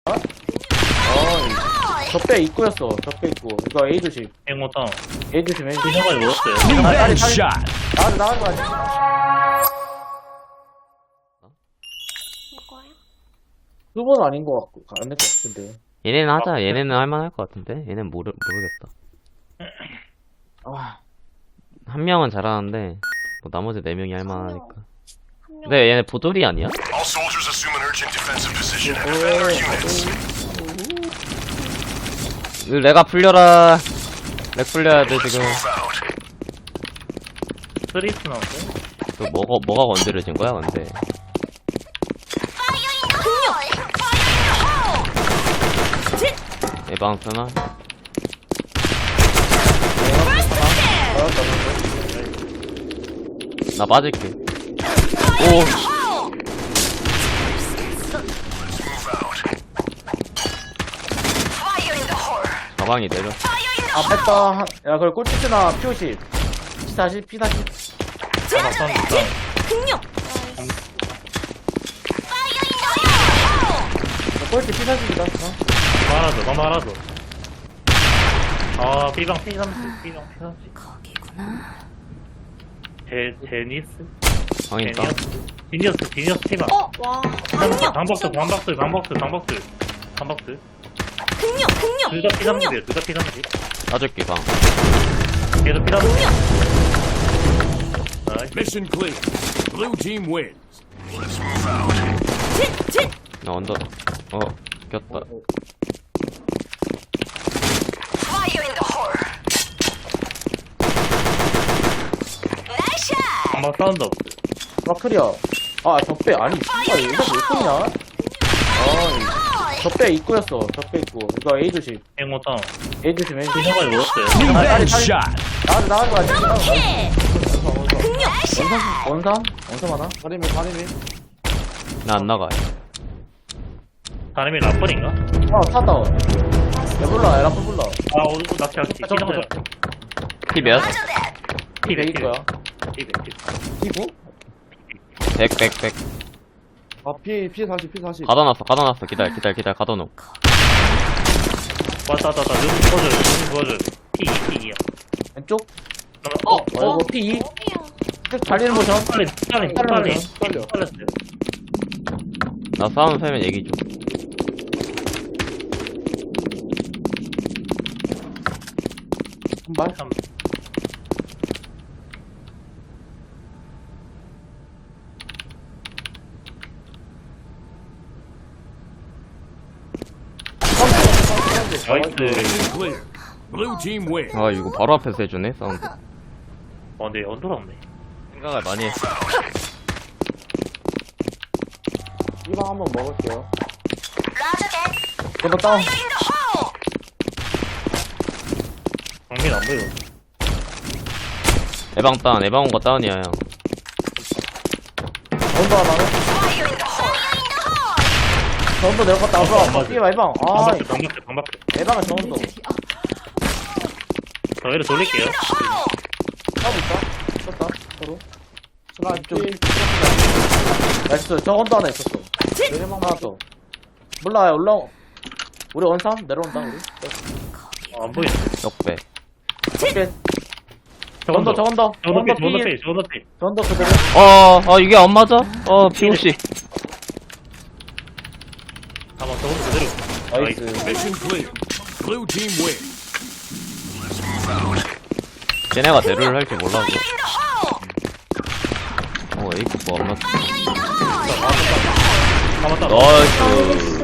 적배 입구였어. 적배 입구. 이거 A 조심. 행모탕 A 조심. A 조심. 피셔가지고 먹었어요. 나가지. 이거야? 수번 아닌 것 같고 안 될 것 같은데. 얘네는 하자. 얘네는 할만할 것 같은데. 얘는 모르겠어. 아, 한 명은 잘하는데 뭐 나머지 4명이 할만하니까. 한 명. 근데 얘네 보돌이 아니야? All soldiers assume an urgent defensive position and defend our units. 내가 풀려라. 렉 풀려야 돼 지금. Move out. 스트리트 나왔어요? 그 뭐가 건드려진 거야 근데. 예방 쓰나? 나 맞을게. 오. Move out. 가방이 내려. 아 뺐다. 야 그걸 꼴찌나 P50. P40 P40. 맞선 있다. 꼴찌 P40이다. 말아줘. 아, B방 P30, B방 P30. 거기구나. 제니스? 방있다. 디니어스 팀아. 와. 방박스. 둘 다 P30이에요, 둘 다 P30. 쏴줄게 방. 계속 P30. 나이스. Mission clear. Blue team wins. Let's move out. 나 언더. 꼈다. 방박 사운드 없어. 마크리야. 아 적배 아니 씨발 얘가 왜 쏘냐? 적배 입구였어. 적배 입구. 이거 A 조심. 행모탕 A 조심. A 조심. 피셔가지고 먹었어요. 나가지. 원삼 하나? 나 안 나가. 사람이 라플인가? 탔다. 야 몰라. 야 라플 몰라. 아, 오늘 낚시할게. 피 몇? P 100인 거야. P9? 100. 아 P40. 가둬놨어. 기다려. 가둬놓. 왔다. 눈 보여줘요. P2야. 왼쪽? 이거 P2? 달리는 모션. 빨리. 빨려. 빨렸어요. 나 싸움 세면 얘기 좀. 한 발? 나이스. Mission clear. Blue team wins. 아 이거 바로 앞에서 해주네 사운드. 근데 언더가 없네. 생각을 많이 했어. 이방 한번 먹을게요. 이거 다운. 정민 안 보여. 에방 온 거 다운이야 형. 언더 하나는? 저 언더 내려갔다. 앞으로. 뛰어봐, 에방. 아, 방박스. 에방은 저 언더. 저희를 돌릴게요. 하고 있다. 썼다. 서로. 하나, 좀. 나이스. 저 언더 하나 있었어. 내리막 하나 더. 몰라, 올라오. 우리 원삼? 내려온다, 우리. 안 보이네. 역배. 오케이. 저 언더. 저 언더 그대로. 이게 안 맞아? POC. 잠깐만, 저것도 그대로. 나이스. Mission clear. Blue team wins. 쟤네가 대루를 할 줄 몰라서. 에이크 뭐안 맞지? 잡았다. 나이스.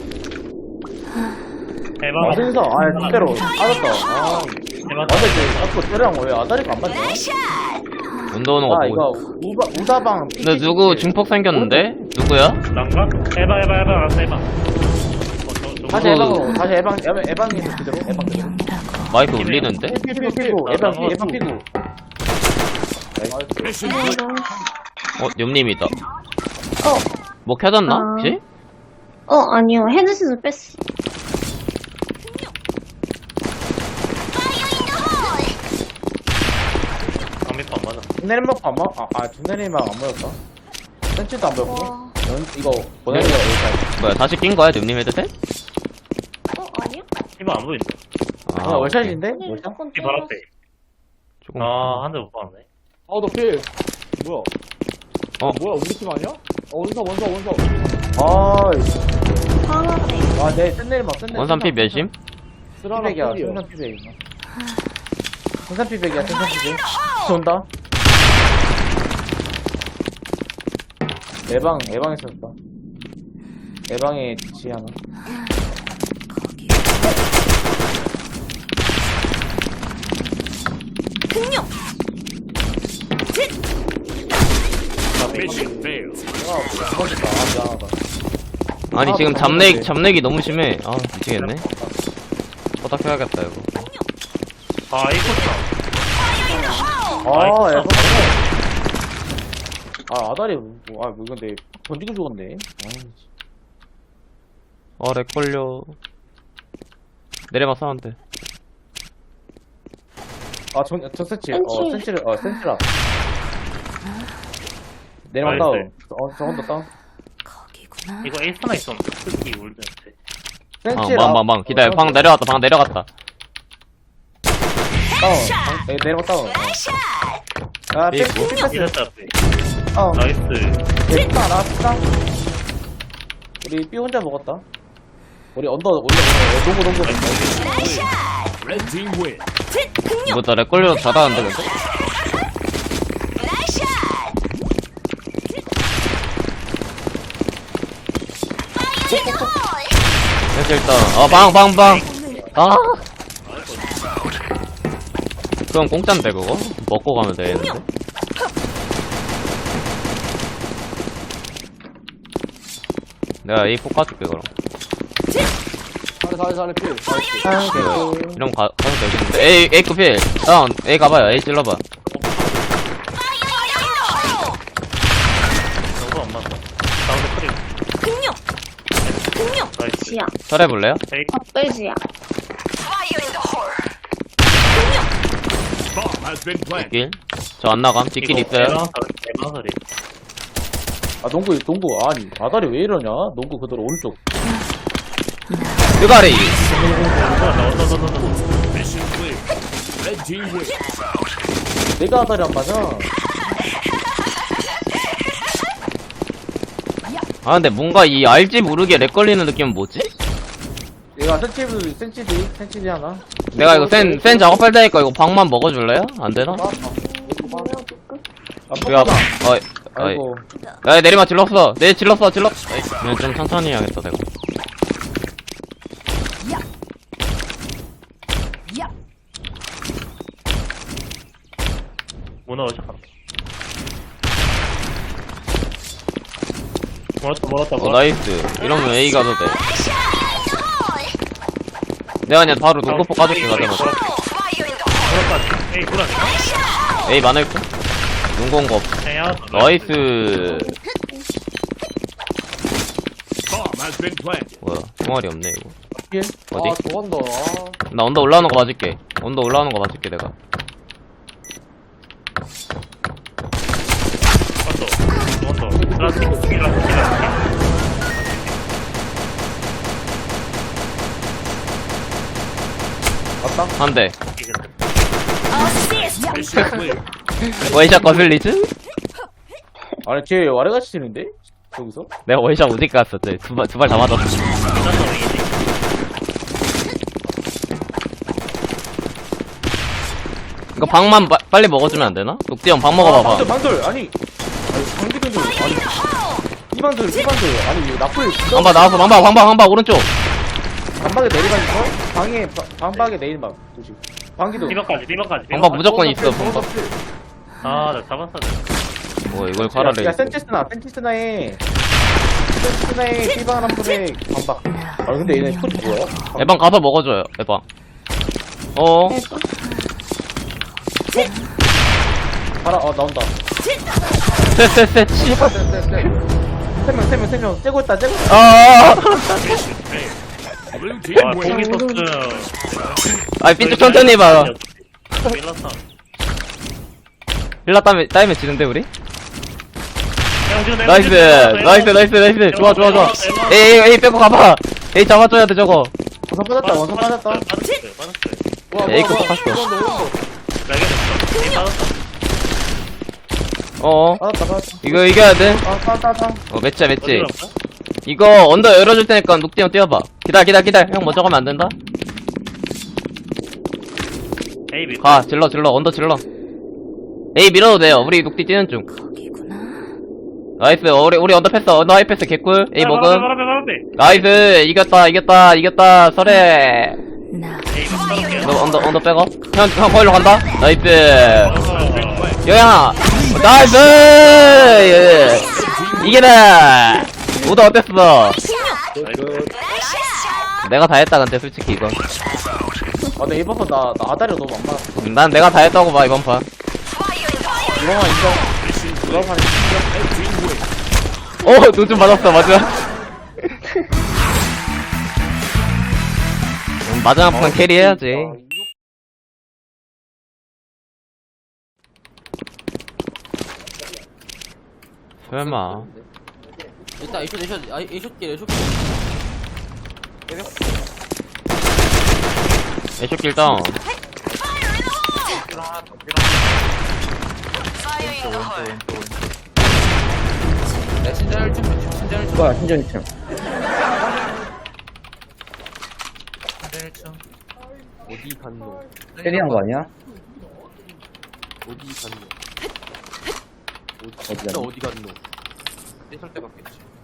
대박. 맞은서. 아, 그대로. 맞았다. 대박. 근데 이제 자꾸 때려랑 왜 아다리가 안 맞냐? 운동 오는 거 아, 보고. 이거 우다방. 근데 누구 증폭 생겼는데? 누구야? 난가? 해봐. 알았어, 해봐. 다시 에방으로. 다시 에방에서 그대로. 에방 그대로. 마이크 울리는데? 피고. 에방 피고. Mission clear. 님님이다. 뭐 켜졌나? 혹시? 아니요. 헤드셋을 뺐어. 방밀 안 맞아. 중내리막 안 맞? 아, 중내리막 안 맞았다. 센치도 안 보였고. 와. 이거 보내기가 여기까지. 뭐야, 다시 낀 거야, 님 헤드셋? 아니야? 피부 안 보인다. 아, 월샷인데? 아니, 월샷? 무조건 피 바로 앞에. 조금. 아, 한 대 못 봤네. 너 필. 뭐야? 뭐야, 우리 팀 아니야? 원서. 아이씨. 하나네. 와, 내 샌내리막, 샌내리막. 원산 피 몇심? 쓰라라 피백이야, 필이야. 생산 피백. 생산 피백이야, 생산 피백. 온다. 에방 있었다. 에방에 지 하나. Mission failed. 죽었다. 아, 미안하다. 아니, 아, 지금 또 잡내기 너무 심해. 아, 미치겠네. 허닥해야겠다, 이거. 아, 이거 아, 에방. 아, 아다리, 뭐 근데, 던지고 죽었네. 렉 걸려. 내려막 사운드. 아, 저 센치. 센치. 센치라. 내려막 나이스. 다운. 저건도 다운. 이거 에이스 하나 있었는데. 특히 울드한테. 센치라. 방. 기다려. 방 내려갔다. 다운. 내려막 다운. 아, 삐, 삐, 이랬다 앞에. 나이스. 나이스. 나왔다. 우리 삐 혼자 먹었다. 우리 언더 농구. Red team win. 이거 나렉 걸려서 잘하는데, 근데? 됐어, 일단. 방. 아. 그럼 공짠데, 그거? 먹고 가면 되는데. 내가 A4 까줄게, 그럼. 잘해, 필. 이러면 가도 되겠는데. A 급필. 다운. A 가봐요. A 찔러봐. 너무 안 맞다. 사운드 크림. 나이스. 지야. 설해볼래요? 에이, 겉돼지야. Bomb has been planted. 뒷길. 저 안 나감. 뒷길 있어요. 대마설이. 아, 농구. 아니, 아다리 왜 이러냐? 농구 그대로 오른쪽. 뜨가리. Mission clear. Red team win. 내가 아다리 안 맞아. 아, 근데 뭔가 이 알지 모르게 렉 걸리는 느낌은 뭐지? 얘가 센치디 하나. 내가 이거 센 작업할 테니까 이거 방만 먹어줄래요? 안 되나? 아, 야, 뻑뻑아. 아이고. 야, 내리막 질렀어. 질렀어. 그냥 좀 천천히 해야겠다, 내가. 문어 시작한다. 멀었다. 나이스. 이러면 A 가도 돼. 내가 그냥 바로 농구포 까줄게, 가자마자. 멀었다. 에이, 굴았나? A 많을까? 농구 온거 없어. 에야. 나이스. Bomb has been planted. 뭐야, 총알이 없네, 이거. 예? 어디? 저건다. 나 언더 올라오는 거 봐줄게. 내가. 원더. 플라스틱. 맞다? 한 대. Mission clear. 월샷 거슬리즈? 아니, 쟤 와래같이 치는데? 여기서? 내가 월샷 어디 갔어? 두 발 다 맞았어. 이거 방만 빨리 먹어주면 안 되나? 녹디형 방 먹어봐봐. 방돌. 아니, 방기들. 아니, 이방돌. 아니, 이거 나풀. 방방 나왔어. 방방 오른쪽. 반박에 내리막 있어? 반박에 내리막. 조심. 방기도. 리버까지. 방방 무조건 있어. 방방. 아, 나 잡았어. 뭐 이걸 갈아내. 야, 센티스나에 삐방 한 불에 반박. 아, 근데 얘네 스토리 뭐야? 에방 가서 먹어줘요. 에방. 봐라, 나온다. 셋. 세 명. 째고 있다. 아. Mission failed. Blue team 와, win. 고기 소스. 아, 삐쭉 천천히 해봐. 밀랐어. 힐라 따이면 지는데 우리? 나이스. 좋아. 에이, 빼고 가봐. 에이, 잡아줘야 돼, 저거. 원선 빠졌다, 원선 빠졌다. 와, 에이, 그거 와, 봤어. 이건 너무 빠졌다. 이거 이겨야 돼. 따. 맷지. 이거 언더 열어줄 테니까 녹디 형 뛰어봐. 기다려. 형 먼저 가면 안 된다. 에이 밀 가, 질러, 언더 질러. 에이, 밀어도 돼요. 우리 녹디 뛰는 중. 거기구나. 나이스, 우리 언더 패스, 언더 하이 패스 개꿀. 에이, 먹음. 바람에 나이스, 이겼다, 설해. 나 에이 바람에 너 언더 빼고. 형, 거기로 간다. 나이스. 여양아, 나이스! 예. 이게다! 오더 어땠어? 내가 다 했다, 근데 솔직히 이건. 근데 이번 판 나 아다리가 너무 안 맞았어. 난 내가 다 했다고 봐, 이번 판. 이번만 인정. 이번 판에 눈 좀 맞았어, 맞아. 마지막 판 캐리 해야지. 설마. 일단 에이쇼길 애쇼길 다운. 내 신전을 좀 뭐야, 신전 2층. 신전을 좀 어디 갔노 캐리한 거 아니야? 어디 갔노 어디 갔노? 어디 갔노 떼설 때 갔겠지